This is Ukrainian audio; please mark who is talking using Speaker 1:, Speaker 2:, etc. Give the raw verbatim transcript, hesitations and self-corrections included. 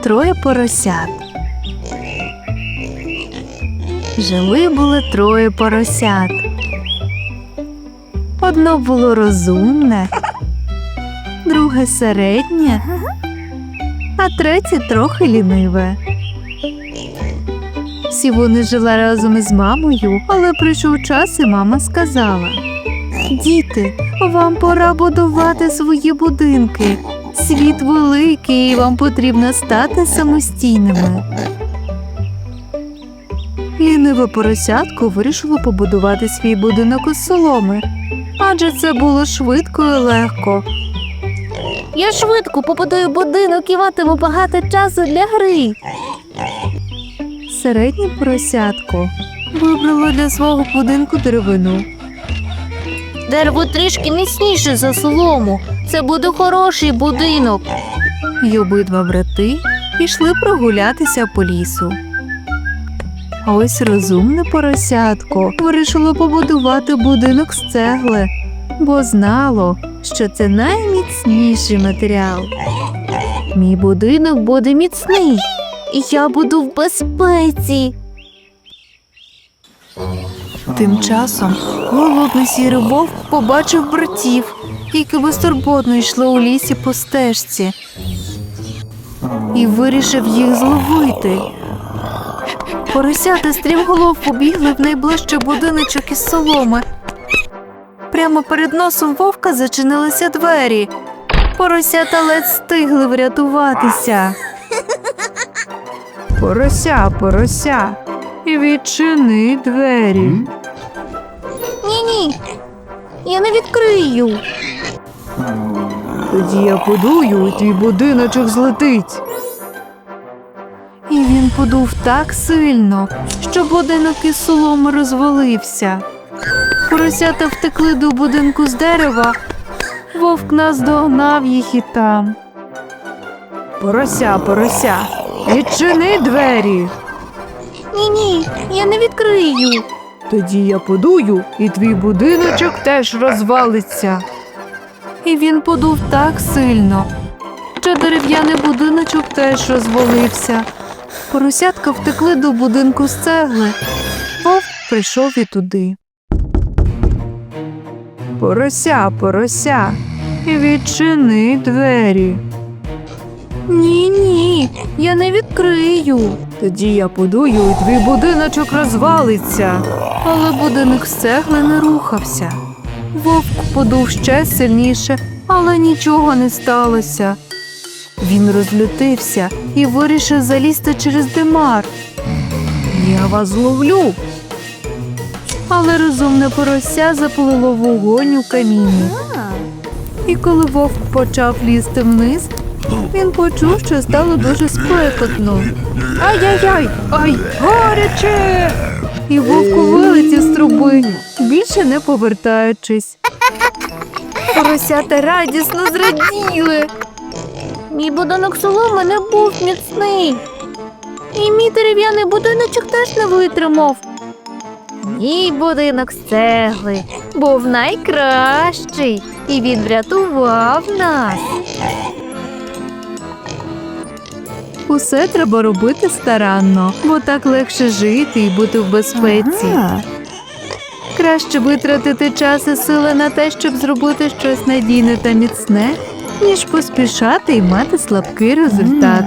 Speaker 1: троє поросят. Жили-були троє поросят. Одно було розумне, друге середнє, а третє трохи ліниве. Всі вони жили разом із мамою, але прийшов час, і мама сказала: «Діти, вам пора будувати свої будинки. Світ великий, і вам потрібно стати самостійними». Ліниве поросятко вирішило побудувати свій будинок із соломи, адже це було швидко і легко.
Speaker 2: Я швидко побудую будинок і матиму багато часу для гри.
Speaker 1: Середнє поросятко вибрало для свого будинку деревину.
Speaker 2: Дерево трішки міцніше за солому. Це буде хороший будинок.
Speaker 1: І обидва брати пішли прогулятися по лісу. А ось розумне поросятко вирішило побудувати будинок з цегли, бо знало, що це найміцніший матеріал.
Speaker 2: Мій будинок буде міцний, і я буду в безпеці.
Speaker 1: Тим часом голодний сірий вовк побачив братів, які безтурботно йшли у лісі по стежці, і вирішив їх зловити. Поросята стрімголов побігли в найближчий будиночок із соломи. Прямо перед носом вовка зачинилися двері. Поросята ледь встигли врятуватися. Порося, порося, відчини двері.
Speaker 2: Ні-ні, я не відкрию.
Speaker 1: Тоді я подую, і твій будиночок злетить. І він подув так сильно, що будинок із соломи розвалився. Поросята втекли до будинку з дерева, вовк наздогнав їх і там. Порося, порося, відчини двері.
Speaker 2: Ні-ні, я не відкрию.
Speaker 1: Тоді я подую, і твій будиночок теж розвалиться. І він подув так сильно, що дерев'яний будиночок теж розвалився. Поросятка втекли до будинку з цегли. Вовк прийшов і туди. Порося, порося, відчини двері.
Speaker 2: Ні-ні, я не відкрию.
Speaker 1: Тоді я подую, і твій будиночок розвалиться. Але будинок з цегли не рухався. Вовк подув ще сильніше, але нічого не сталося. Він розлютився і вирішив залізти через димар. «Я вас зловлю!» Але розумне порося запалило вогонь у каміні. І коли вовк почав лізти вниз, він почув, що стало дуже спекотно. «Ай-яй-яй! Ай, гаряче!» І вовк вилетів з труби, більше не повертаючись. Поросята радісно зраділи.
Speaker 2: Мій будинок соломи не був міцний. І мій дерев'яний будиночок теж не витримав. Мій будинок з цегли був найкращий, і він врятував нас.
Speaker 1: Усе треба робити старанно, бо так легше жити і бути в безпеці. Ага. Краще витратити час і сили на те, щоб зробити щось надійне та міцне, ніж поспішати і мати слабкий результат.